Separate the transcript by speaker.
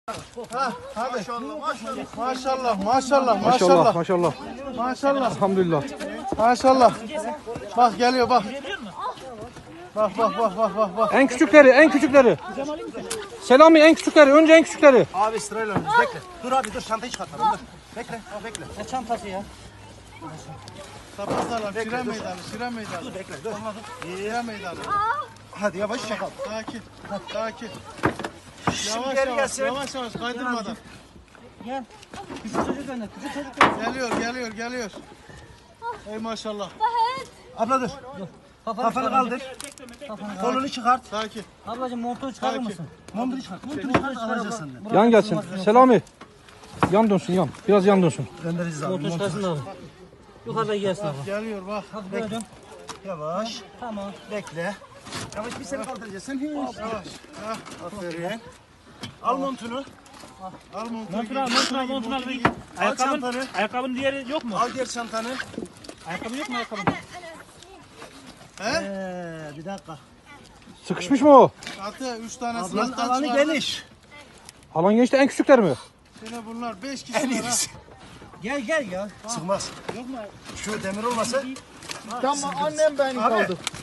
Speaker 1: Ha, hadi.
Speaker 2: Maşallah.
Speaker 1: Maşallah.
Speaker 2: Elhamdülillah.
Speaker 1: Maşallah. Bak geliyor bak. Bak.
Speaker 2: En küçükleri. Selami en küçükleri. Önce en küçükleri.
Speaker 3: Abi sırayla önümüz bekle. Dur abi dur çantayı çıkartalım dur. Bekle.
Speaker 4: Ne çantası ya?
Speaker 1: Tapazlarla Şire meydanı.
Speaker 3: Dur bekle dur.
Speaker 1: Şire meydanı.
Speaker 3: Hadi yavaş çakal.
Speaker 1: Sakin.
Speaker 3: geri gelsin.
Speaker 1: Yavaş kaydırmadan.
Speaker 4: Gel. Küçük çocuk önde. Küçük çocuk.
Speaker 1: Geliyor. Ey maşallah.
Speaker 3: Abla dur. Kafanı kaldır. Kolunu çıkart.
Speaker 1: Sakin.
Speaker 4: Ablacığım montunu çıkarır mısın?
Speaker 3: Montunu çıkart. Montunu çıkart alacağız senden.
Speaker 2: Yan gelsin. Selami. Yan dönsün yan. Biraz yan dönsün.
Speaker 3: Göndereceğiz abi.
Speaker 4: Montunu çıkarsın abi. Yukarıda gelsin abla.
Speaker 1: Geliyor bak.
Speaker 4: Hadi böyle dön.
Speaker 3: Yavaş.
Speaker 4: Tamam.
Speaker 3: Bekle. Yavaş bir seni kaldıracağız. Sen hiç.
Speaker 1: Yavaş.
Speaker 3: Aferin. Al montunu.
Speaker 1: Al
Speaker 5: Montunu al.
Speaker 3: Al çantanı.
Speaker 5: Ayakkabının diğeri yok mu?
Speaker 3: Al diğer çantanı.
Speaker 5: Ayakkabı yok mu ayakkabı?
Speaker 3: Bir dakika.
Speaker 2: Sıkışmış mı o?
Speaker 1: Atı 3 tane
Speaker 3: Ablanın
Speaker 1: sınıftan
Speaker 3: alanı
Speaker 1: çıkardı.
Speaker 3: geniş.
Speaker 2: Alan gençte en küçükler mi?
Speaker 1: Yine bunlar 5
Speaker 3: En
Speaker 1: kişiler ha.
Speaker 3: iyisi.
Speaker 4: Gel ya.
Speaker 3: Sıkmaz. Şu demir olmasa.
Speaker 1: Tamam annem benim
Speaker 3: Abi
Speaker 1: kaldı.